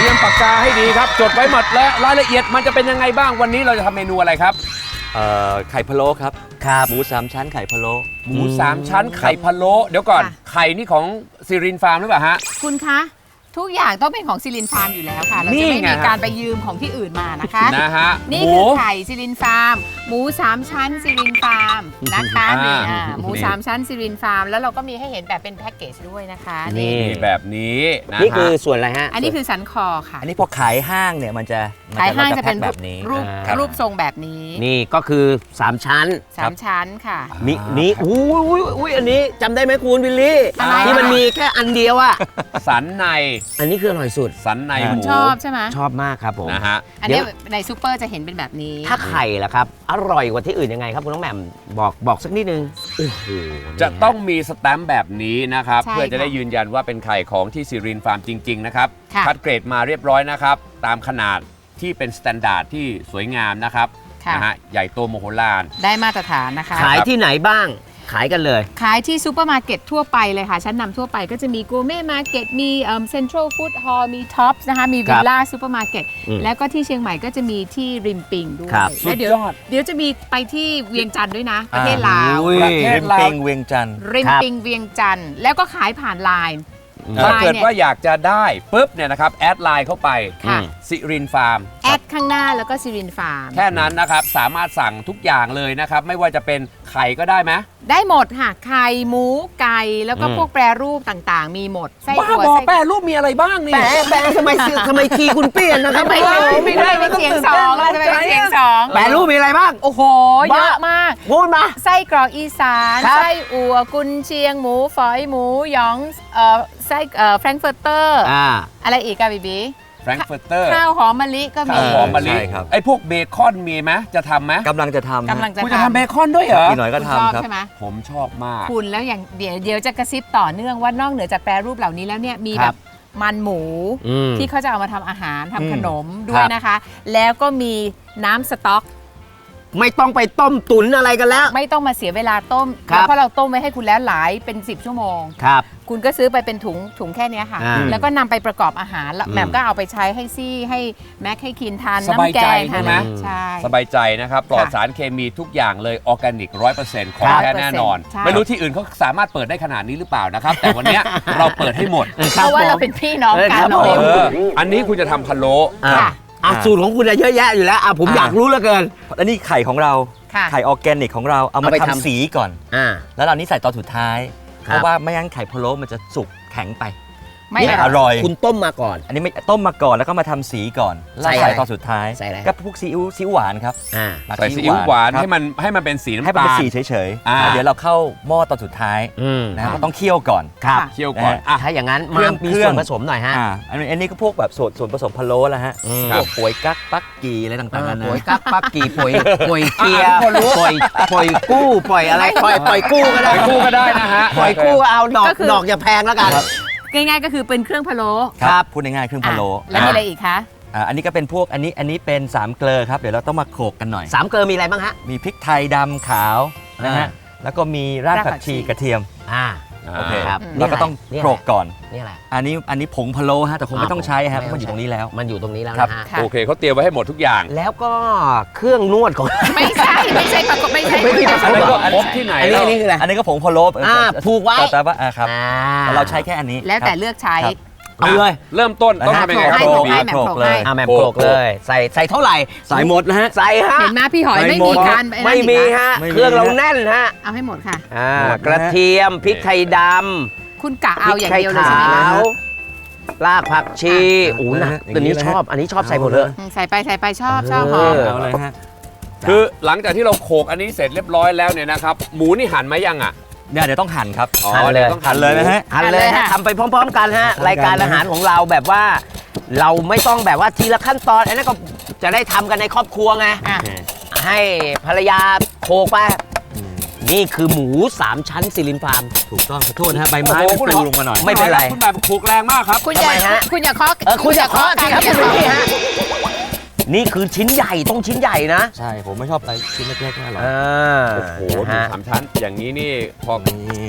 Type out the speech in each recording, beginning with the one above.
รียมปากกาให้ดีครับจดไว้หมดและรายละเอียดมันจะเป็นยังไงบ้างวันนี้เราจะทำเมนูอะไรครับไข่พะโล้ครับครับหมู3ชั้นไข่พะโล้หมู3ชั้นไข่พะโล้เดี๋ยวก่อนไข่นี่ของซิรินฟาร์มหรือเปล่าฮะคุณคะทุกอย่างต้องเป็นของซิลินฟาร์มอยู่แล้วค่ะเราจะไม่มีการไปยืมของที่อื่นมานะคะนะฮะนี่คือไข่ซิลินฟาร์มหมู3ชั้นซิลินฟาร์มนะคะนี่หมู3ชั้นซิลินฟาร์มแล้วเราก็มีให้เห็นแบบเป็นแพ็กเกจด้วยนะคะนี่แบบนี้นะนี่คือส่วนอะไรฮะอันนี้คือสันคอค่ะอันนี้พอขายห้างเนี่ยมันจะขายห้างจะเป็นแบบนี้รูปทรงแบบนี้นี่ก็คือ3ชั้น 3ชั้นค่ะนี่อุ้ยอันนี้จำได้ไหมคุณวิลลี่ที่มันมีแค่อันเดียวอะสันในอันนี้คืออร่อยสุดสันในหมูชอบใช่ไหมชอบมากครับผมนะฮะอันนี้ในซูเปอร์จะเห็นเป็นแบบนี้ถ้าไข่ล่ะครับอร่อยกว่าที่อื่นยังไงครับคุณน้องแหม่มบอกสักนิดนึงโอ้โหจะต้องมีสแตมป์แบบนี้นะครับเพื่อจะได้ยืนยันว่าเป็นไข่ของที่ซิรินฟาร์มจริงๆนะครับคัดเกรดมาเรียบร้อยนะครับตามขนาดที่เป็นสแตนดาร์ดที่สวยงามนะครับนะฮะใหญ่โตมโหฬารได้มาตรฐานนะคะขายที่ไหนบ้างขายกันเลยขายที่ซูเปอร์มาร์เก็ตทั่วไปเลยค่ะชั้นนำทั่วไปก็จะมีกูเม่มาร์เก็ตมีเซ็นทรัลฟู้ดฮอลล์มีท็อปส์นะคะมีวิลล่าซูเปอร์มาร์เก็ตแล้วก็ที่เชียงใหม่ก็จะมีที่ริมปิงด้วยและเดี๋ยวจะมีไปที่เวียงจันทร์ด้วยนะประเทศลาวประเทศลาวริมปิงเวียงจันทร์ริมปิงเวียงจันทร์แล้วก็ขายผ่านไลน์ถ้าเกิดว่าอยากจะได้ปุ๊บเนี่ยนะครับแอดไลน์เข้าไปซิรินฟาร์มแอดข้างหน้าแล้วก็ซิรินฟาร์มแค่นั้นนะครับสามารถสั่งทุกอย่างเลยนะครับไม่ว่าจะเป็นไข่ก็ได้ไหมได้หมดค่ะไข่หมูไก่แล้วก็พวกแปรรูปต่างๆมีหมดไส้อั่วแปรรูปมีอะไรบ้างนี่แปรทำไมคีย์คุณเปลี่ยนนะครับไม่ได้เป็นเสียงสองเราจะเป็นเสียงสองแปรรูปมีอะไรบ้างโอ้โหเยอะมากพูดมาไส้กรอกอีสานไส้อั่วกุนเชียงหมูฝอยหมูหยองไส้แฟรงก์เฟิร์เตอร์อะไรอีกอะบีบีแฟรงก์เฟิร์เตอร์ข้าวหอมมะลิก็มีข้าวหอมมะลิไอ้พวกเบคอนมีไหมจะทำไหมกำลังจะทำคุณจะทำเบคอนด้วยเหรอพี่หน่อยก็ทำครับผมชอบมากคุณแล้วอย่างเดี๋ยวจะกระซิบต่อเนื่องว่านอกเหนือจากแปรรูปเหล่านี้แล้วเนี่ยมีแบบมันหมูที่เขาจะเอามาทำอาหารทำขนมด้วยนะคะแล้วก็มีน้ำสต๊อกไม่ต้องไปต้มตุ๋นอะไรกันแล้วไม่ต้องมาเสียเวลาต้มเพราะเราต้มไว้ให้คุณแล้วหลายเป็น10ชั่วโมงครับคุณก็ซื้อไปเป็นถุงแค่นี้ค่ะแล้วก็นำไปประกอบอาหารแหม่มก็เอาไปใช้ให้ซี่ให้แม็กให้คินทานน้ำแกงใช่ไหมใช่สบายใจนะครับปลอดสารเคมีทุกอย่างเลยออร์แกนิก 100% ของแท้แน่นอนไม่รู้ที่อื่นเขาสามารถเปิดได้ขนาดนี้หรือเปล่านะครับแต่วันนี้เราเปิดให้หมดเพราะว่าเราเป็นพี่น้องกันอันนี้คุณจะทำพะโล้สูตรของคุณเยอะแยะอยู่แล้วผมอยากรู้เหลือเกินอันนี้ไข่ของเราไข่ออร์แกนิกของเราเอามาทำสีก่อนแล้วเรานี้ใส่ตอนสุดท้ายเพราะว่าไม่งั้นไข่พะโล้มันจะสุกแข็งไปไม่อร่อยคุณต้มมาก่อนอันนี้ไม่ต้มมาก่อนแล้วก็มาทำสีก่อนแล้วใส่ตอนสุดท้ายก็พวกซีอิ๊วหวานครับใส่ซีอิ๊วหวานให้มันเป็นสีน้ำตาลให้มันเป็นสีเฉยๆเดี๋ยวเราเข้าหม้อตอนสุดท้ายนะครับก็ต้องเคี่ยวก่อนเคี่ยวก่อนถ้าอย่างนั้นมีส่วนผสมหน่อยฮะอันนี้ก็พวกแบบส่วนผสมพะโล้แล้วฮะพวกป่วยกั๊กปักกีอะไรต่างๆนะป่วยกั๊กปักกีป่วยเกียร์ป่วยกู้ป่วยอะไรป่วยกู้ก็ได้นะฮะป่วยกู้เอาดอกอย่าแพงแล้วกันง่ายๆก็คือเป็นเครื่องพะโล้ครับพูดง่ายๆเครื่องพะโล้แล้วมีอะไรอีกคะอันนี้ก็เป็นพวกอันนี้เป็น3เกลือครับเดี๋ยวเราต้องมาโขลกกันหน่อย 3เกลือมีอะไรบ้างฮะมีพริกไทยดำขาวนะฮะแล้วก็มีรากผักชีกระเทียมโอเคครับเราก็ต้องโขลกก่อนนี่อะไรอันนี้ผงพะโล้ฮะแต่คงไม่ต้องใช้ฮะเพราะมันอยู่ตรงนี้แล้วนะฮะโอเคเขาเตรียมไว้ให้หมดทุกอย่างแล้วก็เครื่องนวดของไม่ใช่ประกบไม่ใช่อันนี้ก็พบที่ไหนอันนี้คืออะไรอันนี้ก็ผงพะโล้ผูกไว้แต่ว่าครับเราใช้แค่อันนี้แล้วแต่เลือกใช้เอาเลยเริ่มต้นต้องทำยังไงครับโขลกเลยแหม่มโขลกเลยใส่เท่าไหร่ใส่หมดนะฮะใส่ฮะเห็นไหมพี่หอยไม่มีการไม่มีฮะเครื่องเราแน่นฮะเอาให้หมดค่ะกระเทียมพริกไทยดำคุณกะเอาอย่างเดียวเลยใช่ไหมคะรากผักชีนะตัวนี้ชอบอันนี้ชอบใส่หมดเลยใส่ไปชอบหอมเอาเลยฮะคือหลังจากที่เราโขลกอันนี้เสร็จเรียบร้อยแล้วเนี่ยนะครับหมูนี่หั่นไหมยังอ่ะเดี๋ยวต้องหั่นครับหั่นเลยต้องหั่นเลยนะฮะหั่นเลยฮะทำไปพร้อมๆกันฮะรายการอาหารของเราแบบว่าเราไม่ต้องแบบว่าทีละขั้นตอนอันนั้นก็จะได้ทำกันในครอบครัวไงให้ภรรยาโขลกไปนี่คือหมู3ชั้นซิลินฟาร์มถูกต้องขอโทษนะฮะใบไม้มันปลิวลงมาหน่อยไม่เป็นไรคุณแบบโขลกแรงมากครับคุณอย่าเคาะคุณอย่าเคาะสิครับพี่ฮะนี่คือชิ้นใหญ่ต้องชิ้นใหญ่นะใช่ผมไม่ชอบอะไรชิ้นเล็กๆน่าหรอกโอ้โหหมู3ชั้นอย่างนี้นี่พอ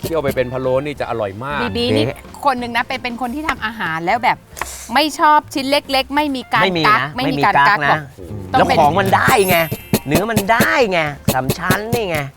เคี่ยวไปเป็นพะโล้นี่จะอร่อยมากบีนี่คนหนึ่งนะเป็นคนที่ทำอาหารแล้วแบบไม่ชอบชิ้นเล็ก ๆ ไม่มีการไม่มีกักนะไม่มีการกักนะต้แล้องวเป็นของมันได้ไงเนื้อมันได้ไงสามชั้นนี่ไง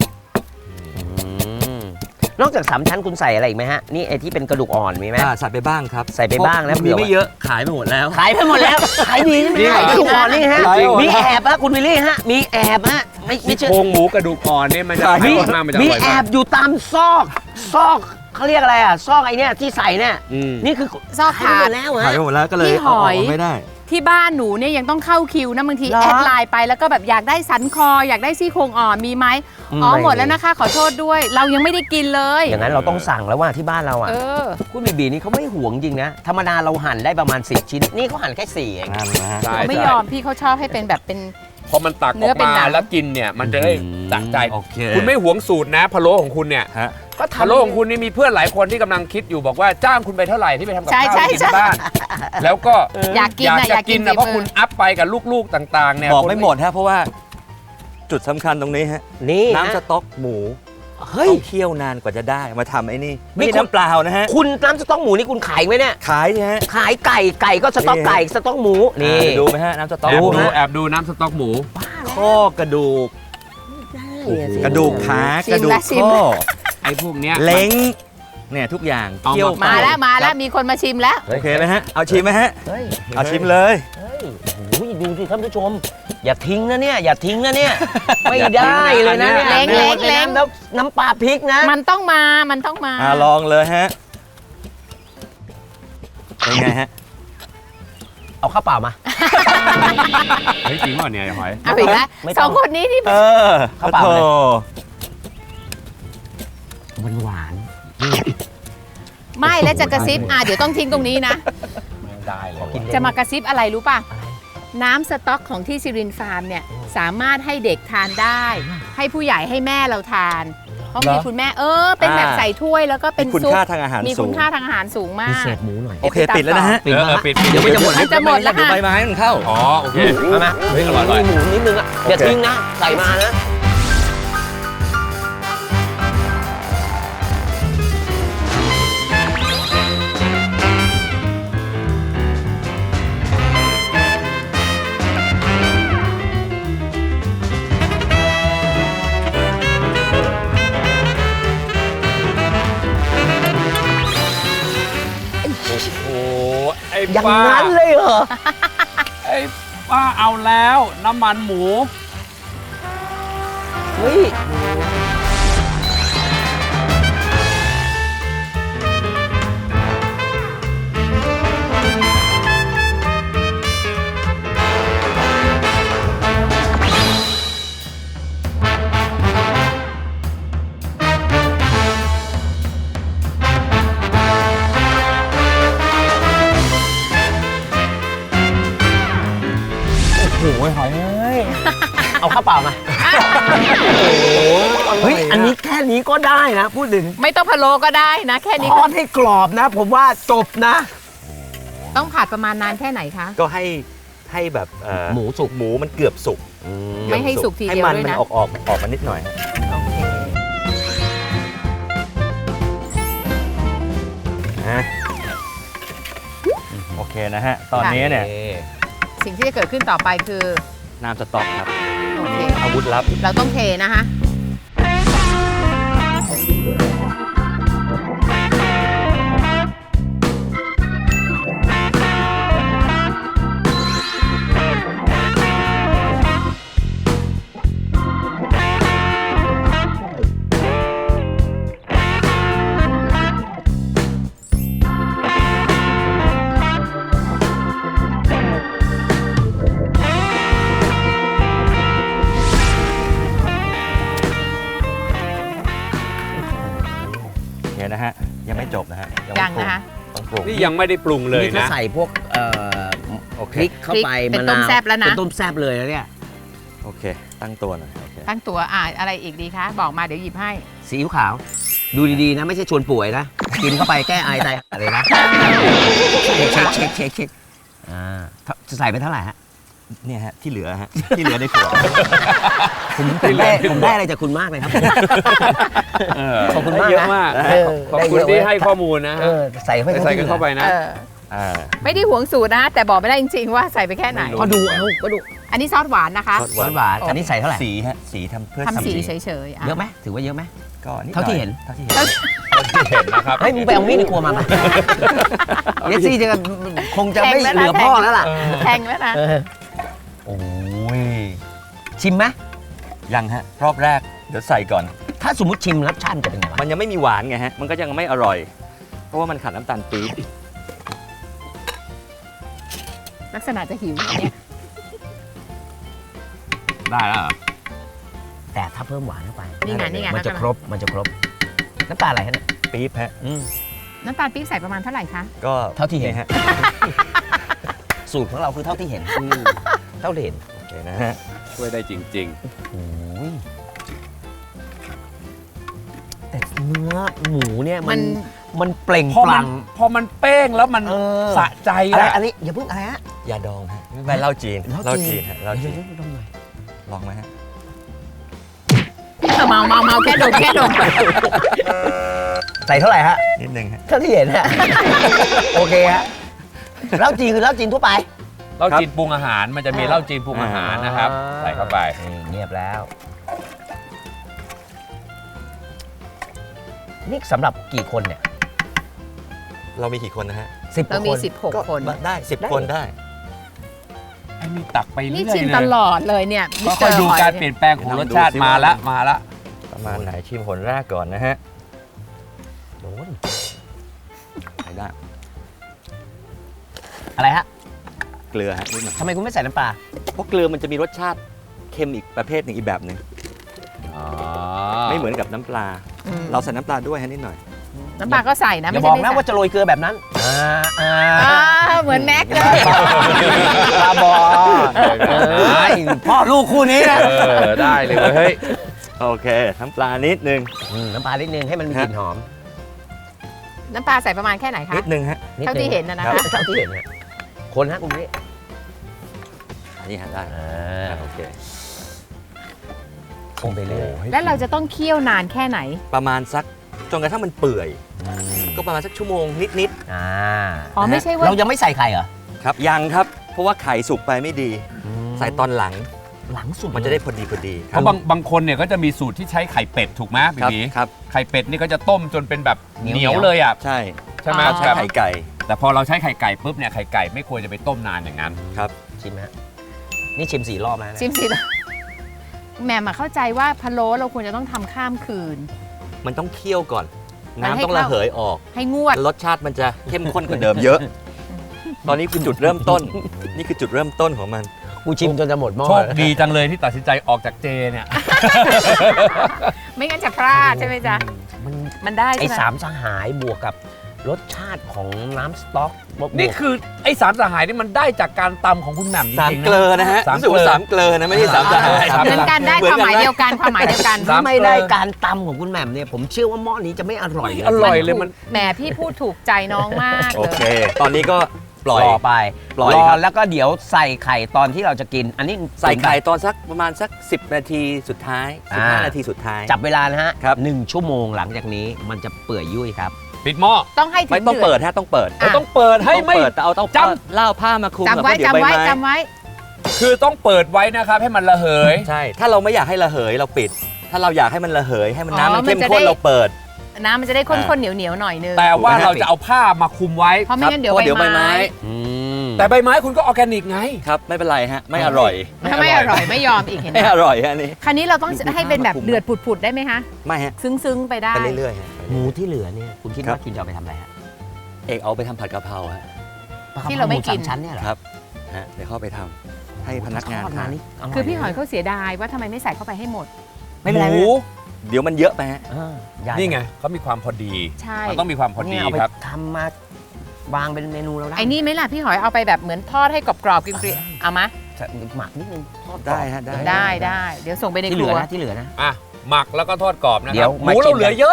นอกจากสามชั้นคุณใส่อะไรอีกไหมฮะนี่ไอ้ที่เป็นกระดูกอ่อนมีไหมใส่ไปบ้างครับใส่ไปบ้างแล้วมีเผื่อไม่เยอะขายไปหมดแล้วขายไปหมดแล้ว ขายดีใช่ไหมนี่เหรอขายกระดูกอ่อนนี่ฮะจริงมีแอบฮะคุณวิลลี่ฮะมีแอบฮะไม่ซี่เชื่อโครงหมูกระดูกอ่อนนี่มันจะมีอร่อยมากมันจะอมีร่อยแอมากบอยู่ตามซอกเขาเรียกอะไรอ่ะซอกไอ้เนี่ยที่ใส่เนี่ยอืมนี่คือซอกขายถาไปหมดดแล้วขายฮะไปหมดแล้วก็เลยพี่หอยเาไม่ได้ที่บ้านหนูเนี่ยยังต้องเข้าคิวนะบางทีเหรอแอดไลน์ไปแล้วก็แบบอยากได้สันคออยากได้ซี่โครงอ่อนมีไหมอ๋อไม่หมดแล้วนะคะขอโทษด้วย เรายังไม่ได้กินเลยอย่างนั้นเราต้องสั่งแล้วว่าที่บ้านเราอ่ะเออคุณบีบีนี่เขาไม่ห่วงจริงนะธรรมดาเราหั่นได้ประมาณ10 ชิ้นนี่เขาหั่นแค่4เองนั่นนะฮะใช่ไม่ใช่ยอมพี่เขาชอบให้เป็นแบบเป็นพอมันตักเนื้อออกเป็นมาหนังแล้วกินเนี่ยมันจะได้สะใจโอเคคุณไม่หวงสูตรนะพะโล้ของคุณเนี่ยฮะก็พะโล้ของคุณนี่มีเพื่อนหลายคนที่กำลังคิดอยู่บอกว่าจ้างคุณไปเท่าไหร่ที่ไปทำกับใช่ข้าวใช่ให้กินใช่ที่บ้าน แล้วก็อยากกินอยากนะอจะยากกิกินนนะเพราะฝีมือคุณอัพไปกับลูกๆต่างๆเนี่ยบอกคนไม่หมดฮะเพราะว่าจุดสำคัญตรงนี้ฮะนี่น้ำสนะต๊อกหมูเฮ้ยต้องเคี่ยวนานกว่าจะได้มาทำไอ้นี่นี่ไม่ใช่น้ำเปล่านะฮะคุณน้ำสต๊อกหมูนี่คุณขายไหมเนี่ยขายสิฮะขายไก่ก็สต๊อกนี่ไก่สต๊อกหมูนี่ดูไหมฮะน้ำสต๊อกแอบหมูดูแอบดูน้ำสต๊อกหมูข้อกระดูก กระดูกขาชิมกระดูกละชิมข้อละไอ้พวกเนี้ยเล้งเนี่ยทุกอย่างเอามาเคี่ยวมาแล้วไปมาแล้วมีคนมาชิมแล้วโอเคไหมฮะเอาชิมไหมฮะเฮ้ยเอาชิมเลยเฮ้ยโอ้ยดูสิท่านผู้ชม อย่าทิ้งนะเนี่ยอย่าทิ้งนะเนี่ยไม่ได้เลยนะเนี่ยเล้งเล้งเล้งแล้วน้ำปลาพริกนะมันต้องมามันต้องมาลองเลยฮะเป็นไงฮะเอาข้าวเปล่ามาเฮ้ยจริงป่ะเนี่ยไอ้หอยเอาอีกแล้วไม่ต้องสองคนนี้ที่ข้าวเปล่าเลยโอ้โหหวานไม่แล้วจะกระซิบเดี๋ยวต้องทิ้งตรงนี้นะไม่ได้เลยกินจะมากระซิบอะไรรู้ป่ะ น้ำสต๊อกของที่ซิรินฟาร์มเนี่ยสามารถให้เด็กทานได้ ให้ผู้ใหญ่ให้แม่เราทาน เพราะมีคุณแม่เป็นแบบใส่ถ้วยแล้วก็เป็นมีคุณซุปค่าทางอาหารมีสูคุณงค่าทางอาหารสูงมาพิกเศษหมูหน่อยโอเคปิดแล้วนะฮะปิดมาปิดเดี๋ยวมันจะหมดจะหมดแล้วเดี๋ยวค่ะใบไม้มันเข้าอ๋อโอเคมาเฮ้ยอร่อยอร่อยมีหมูนิดนึงอ่ะอย่าทิ้งนะใส่มานะโอ้ไอ้อย่างป้านั้นเลยเหรอไอ้ป้าเอาแล้วน้ำมันหมูเฮ้ย โอ้โหหอยเอ้ย เอาข้าวเปล่ามา เฮ้ย อันนี้แค่นี้ก็ได้นะ พูดถึงไม่ต้องพะโล้ก็ได้นะ แค่นี้ทอดให้กรอบนะ ผมว่าจบนะต้องผัดประมาณนานแค่ไหนคะก็ให้แบบหมูสุกหมูมันเกือบสุกไม่ให้สุกทีเดียวให้มันด้วยมันนะออกมานิดหน่อยฮะโอเคนะโอเคนะฮะ ตอนนี้เนี่ยสิ่งที่จะเกิดขึ้นต่อไปคือน้ำสต๊อกครับโอเคอาวุธลับเราต้องเทนะคะโอเคนะฮะ ยังไม่จบนะฮะยังนะคะต้องปรุงนี่ยังไม่ได้ปรุงเลยนี่ถ้านะใส่พวกโอเคพริกเข้าไปพริกเป็นมะนาวต้มแซ่บแล้วนะเป็นต้มแซ่บเลยแล้วเนี่ยโอเค ตั้งตัวหน่อยโอเคตั้งตัวอะไรอีกดีคะ บอกมาเดี๋ยวหยิบให้ซีอิ๊วขาว ดูดีๆนะ ไม่ใช่ชวนป่วยนะ กินเข้าไปแก้ไอตายอะไรนะ เช็คอ่าจะใส่ไปเท่าไหร่ฮะเนี่ยฮะที่เหลือฮะที่เหลือในขวดผมได้อะไรจากคุณมากเลยครับ ขอบคุณมากนะเยอะมาก ขอบคุณที่ให้ข้อมูลนะใส่เข้าไปใส่กันเข้าไปนะไม่ได้หวงสูตรนะแต่บอกไม่ได้จริงๆว่าใส่ไปแค่ไหนก็ดูก็ดูอันนี้ซอสหวานนะคะหวานอันนี้ใส่เท่าไหร่สีฮะสีทำเพื่อทำสีเฉยๆเยอะไหมถือว่าเยอะไหมก็นิดเท่าที่เห็นเท่าที่เห็นที่เห็นนะครับเฮ้ยมึงไปเอามีดในครัวมาปะเยสซี่จะคงจะไม่เหลือพ่อแล้วล่ะแพงแล้วนะโอ้ยชิมไหมยังฮะรอบแรกเดี๋ยวใส่ก่อนถ้าสมมติชิมรสชาติจะเป็นไงวะมันยังไม่มีหวานไงฮะมันก็ยังไม่อร่อย เพราะว่ามันขาดน้ำตาลปี๊บลักษณะจะหิวเนี่ยได้แล้วเหรอแต่ถ้าเพิ่มหวานเข้าไปนี่ไงมันจะครบน้ำตาลอะไรฮะเนี่ยปี๊บฮะน้ำตาลปี๊บใส่ประมาณเท่าไหร่คะก็เท่าที่เห็นฮะสูตรของเราคือเท่าที่เห็นเท่าที่เห็นโอเคนะฮะช่วยได้จริงโอ้ยแต่เนื้อหมูเนี่ยมันเปล่งๆ พอปมัลั่นงพอมันเป้งแล้วมันเออสะใจอะไรอะอันนี้อย่าเพิ่งอะไรฮะยาดองฮะไม่เหล้าจีนเหล้าจีนฮะเหล้าจีนเดี๋ยวๆๆลองหน่อยลองไหมฮะเมาแค่ดมใส่เท่าไหร่ฮะนิดนึงฮะเท่าที่เห็นฮะ โอเคฮะเหล้าจีนคือเหล้าจีนทั่วไปเหล้าจีนปรุงอาหารมันจะมีเหล้าจีนปรุงอาหารนะครับ ใส่เข้าไปเงียบแล้ว นี่สำหรับกี่คนเนี่ยเรามีกี่คนนะฮะ 10 เรามีคน 16 คนได้10 คนได้ไอ้นี่ตักไปเรื่นี่อยชิมเลยตลอดเลยเนี่ยก็ค่อยดูการเปลี่ยนแปลงของรสชาติมาละประมาณไหนชิมผลแรกก่อนนะฮะโดนใช้ได้อะไรฮะเกลือฮะนิดหน่อยทำไมคุณไม่ใส่น้ำปลาเพราะเกลือมันจะมีรสชาติเค็มอีกประเภทหนึ่งอีกแบบหนึ่งอ๋อไม่เหมือนกับน้ำปลาอืมเราใส่น้ำปลาด้วยฮะนิดหน่อยน้ำปลาก็ใส่นะอย่าไม่บใช่อกไม่นะใส่ว่าจะโรยเกลือแบบนั้นเหมือนแม็กเลยปลาบอพ่อลูกคู่นี้นะได้เลยเว้ยเฮ้ยโอเคน้ำปลานิดนึงน้ำปลานิดนึงให้มันมีกลิ่นหอมน้ำปลาใส่ประมาณแค่ไหนคะนิดนึงฮะดงเท่าที่เห็นนะนะคะเท่าที่เห็นนะคนฮะคุณนี่อันนี้ฮะได้โอเคคงไปเรื่อยแล้วเราจะต้องเคี่ยวนานแค่ไหนประมาณสักจนกระทั่งมันเปื่อย ก็ประมาณสักชั่วโมงนิดอ๋อไม่ใช่ว่าเรายังไม่ใส่ไข่เหรอๆครับยังครับ เพราะว่าไข่สุกไปไม่ดี ใส่ตอนหลังหลังสุดมันจะได้พอดีคเพรับราะบางคนเนี่ยก็จะมีสูตรที่ใช้ไข่เป็ดถูกไหมพี่ครับบีครับไข่เป็ดนี่ก็จะต้มจนเป็นแบบเหนียวเลยอ่ะใช่ใช่ไหมใช้แบบไข่ไก่แต่พอเราใช้ไข่ไก่ปุ๊บเนี่ยไข่ไก่ไม่ควรจะไปต้มนานอย่างนั้นครับชิมฮะนี่ชิม4 รอบแล้วนะชิมสิแหม่มาเข้าใจว่าพะโล้เราควรจะต้องทำข้ามคืนมันต้องเคี่ยวก่อนมันให้น้ำต้องระเหยออกให้งวดรสชาติมันจะเข้มข้นกว่าเดิมเยอะ ตอนนี้คือจุดเริ่มต้น นี่คือจุดเริ่มต้นของมันกูชิมจนจะหมดหม้อโชคดีจังเลยที่ตัดสินใจออกจากเจเนี่ยไม่งั้นจะพลาดใช่ไหมจ๊ะมันมันได้ไอ้ใช่ไหมสามสหายบวกกับรสชาติของน้ำสต๊อกบวกนี่คือไอ้สามสหายนี่มันได้จากการตำของคุณแหม่มจสามริงๆเกลอนะฮะสามรู้สึกว่าเกลอสามเกลอนะไม่ใช่สามสหายสามเหมือนกันได้ความหมายเดียวกันความหมายเดียวกันสามถ้าไม่ได้การตำของคุณแหม่มเนี่ยผมเชื่อว่าหม้อนี้จะไม่อร่อยอร่อยเลยมันแหมพี่พูดถูกใจน้องมากโอเลเคยตอนนี้ก็ปล่อยรอไปปล่อยรอครับแล้วก็เดี๋ยวใส่ไข่ตอนที่เราจะกิน อันนี้ใส่ไก่ตอนสักประมาณสัก 10 นาทีสุดท้าย 15 นาทีสุดท้ายจับเวลานะฮะครับ 1 ชั่วโมงหลังจากนี้มันจะเปื่อยยุ่ยครับปิดหม้อต้องให้ถึไม่งต้องเดืเปิอดฮะต้องเปิดอ่ะต้องเปิดให้ต้องไม่เปิดแต่เอาต้องจเล่าผ้ามาคลุมจำไว้แล้วเดี๋ยจำไว้ใบม้จำไว้คือต้องเปิดไว้นะครับให้มันระเหยใช่ ถ้าเราไม่อยากให้ระเหยเราปิด ถ้าเราอยากให้มันระเหยให้มันอ๋อน้ำมันเข้มมันจะข้นได้เราเปิดน้ำมันจะได้ข้นๆเหนียวๆหน่อยนึงแต่ว่าเราจะเอาผ้ามาคลุมไว้เพราะไม่งั้นเดี๋ยวเพราะเดี๋ยวใบใบไม้ไม้แต่ใบไม้คุณก็ออร์แกนิกไงครับไม่เป็นไรฮะไม่อร่อยถ้าไม่อร่อยไม่ยอมอีกเห็นไหมไม่อร่อยฮะอันนี้คราวนี้เราต้องให้เป็นแบบเดือดผุดๆได้ไหมคะไม่ฮะซึ้งๆไปได้ไปเรื่อยๆฮะหมูที่เหลือเนี่ยคุณคิดครับว่าคุณจะเอาไปทำอะไรฮะเอกเอาไปทำผัดกะเพราฮะที่เราไม่กินหสชั้นเนี่ยเหรอครับฮะเดี๋ยวเข้าไปทำให้พนักงานทอดทาม นนี่ร่คือพี่หอยเขาเสียดายว่าทำไมไม่ใส่เข้าไปให้หมดไม่เป็นไรหมูเดี๋ยวมันเยอะไปฮะใหญ่นี่ไงเขามีความพอดีใช่มันต้องมีความพอดีเนี่ยเอาไปครับทำมาวางเป็นเมนูเราได้ไอ้นี่ไหมล่ะพี่หอยเอาไปแบบเหมือนทอดให้กรอบๆกริบๆเอามาหมักนิดนึงทอดกรอบได้ฮะได้ได้เดี๋ยวส่งไปในที่คเหลืรัอวนะที่เหลือนะอ่ะหมักแล้วก็ทอดกรอบนะคเดี๋รัยวบหมามูชิเรามเหลือเยอะ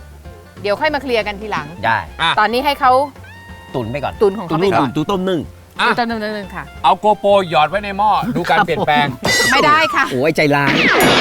เดี๋ยวค่อยมาเคลียร์กันทีหลังได้อ่ะตอนนี้ให้เขาตุ๋นไปก่อนตุนของตุ๋เขานไปนึ่งก่อนตุ๋นต้มนึ่งเติมค่ะเอาโกโปรหยอดไว้ในหม้อดูการเปลี่ยนแปลงไม่ได้ค่ะโอ้ยใจร้าย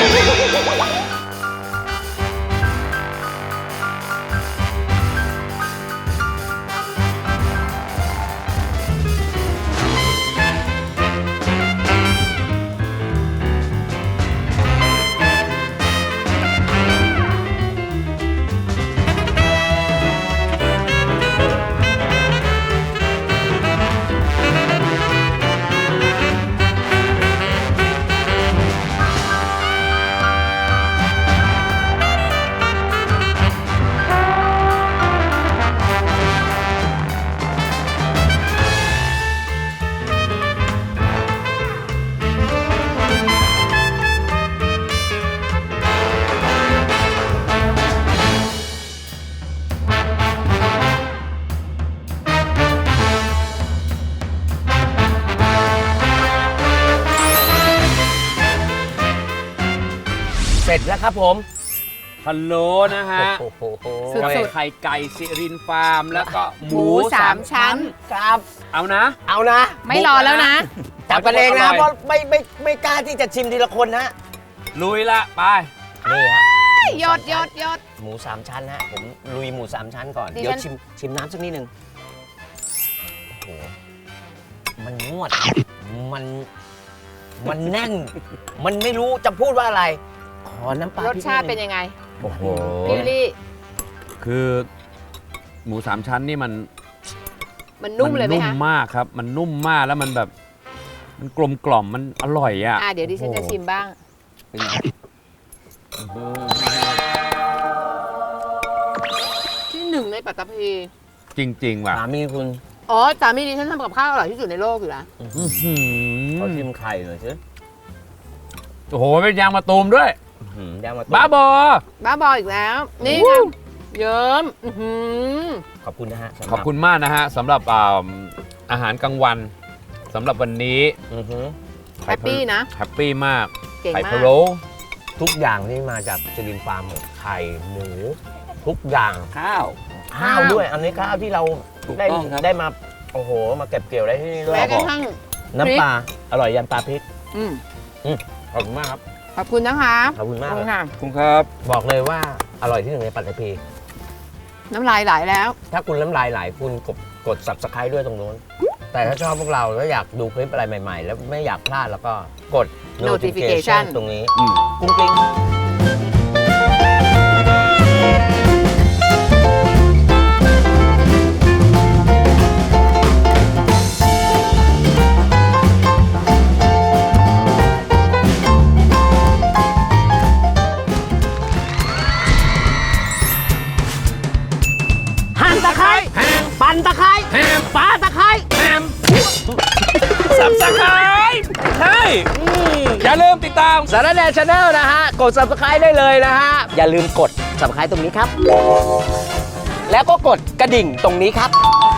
เสร็จแล้วครับผมพะโล้นะฮะโอ้โหสุดไข่ไก่สิรินฟาร์มแล้วก็หหมูมูสามชั้นครับเอานะเอานะไม่รอแล้วนะจับกันเองนะอร่อยเพราะไม่กล้าที่จะชิมทีละคนนะลุยละไปนี่ฮะยอดหมูสามชั้นฮะผมลุยหมูสามชั้นก่อนดิฉันเดี๋ยวชิมน้ำสักนิดนึงโอ้โหมันงวดมันแน่น มันไม่รู้จะพูดว่าอะไร ขอน้ำปลารสชาติเป็นยังไงโอ้โหพี่วิลลี่คือหมูสามชั้นนี่มันมันนุ่มเลยไหมนุ่มคะมากครับ มันนุ่มมากแล้วมันแบบ มันกลมกล่อมมันอร่อยอ่ะเดี๋ยวดิฉันจะชิมบ้างเป็นไงที่หนึ่งในปัตตภีจริง ๆ ว่ะสามีคุณอ๋อสามีดิฉันทำกับข้าวอร่อยที่สุดในโลกอยู่แล้วอื้อหืเขาอชิมไข่หน่อยสิโอ้โหเป็นยางมะตูมด้วยย่างมาบ้าบอบ้าบออีกแล้ว นี่ไงเยิ้มอื้อหือขอบคุณนะฮะสำหรับขอบคุณมากนะฮะสำหรับอาหารกลางวันสำหรับวันนี้อือฮึแฮปปี้นะแฮปปี้มากเก่งไข่มาพะกโล้ทุกอย่างที่มาจากจรินฟาร์มหมดไข่หมู ทุกอย่างข้าวข้าวด้วย อันนี้ข้าวที่เราถูกได้ต้องครับได้มาโอ้โหมาเก็บเกี่ยวได้ที่นี่ด้วยแม้กระทั่งน้ำปลาอร่อยยันปลาพริกอืมขอบคุณมากครับขอบคุณนะคะขอบคุณมากขอบเลคุยณค่ะคุณครับบอกเลยว่าอร่อยที่หนึ่งในปัตตภีน้ำลายไหลแล้วถ้าคุณน้ำลายไหลคุณกด subscribe ด้วยตรงนู้น แต่ถ้าชอบพวกเราแล้วอยากดูคลิปอะไรใหม่ๆ แล้วไม่อยากพลาดแล้วก็กด notification ตรงนี้กุ้งกลิ้ง หั่นตะไคร้ปั่นตะไคร้ปาตะไคร้สับสไครใช่อย่าลืมติดตามสารแดนชาแนลนะฮะ กด subscribe ได้เลยนะฮะ อย่าลืมกด subscribe ตรงนี้ครับ แล้วก็กดกระดิ่งตรงนี้ครับ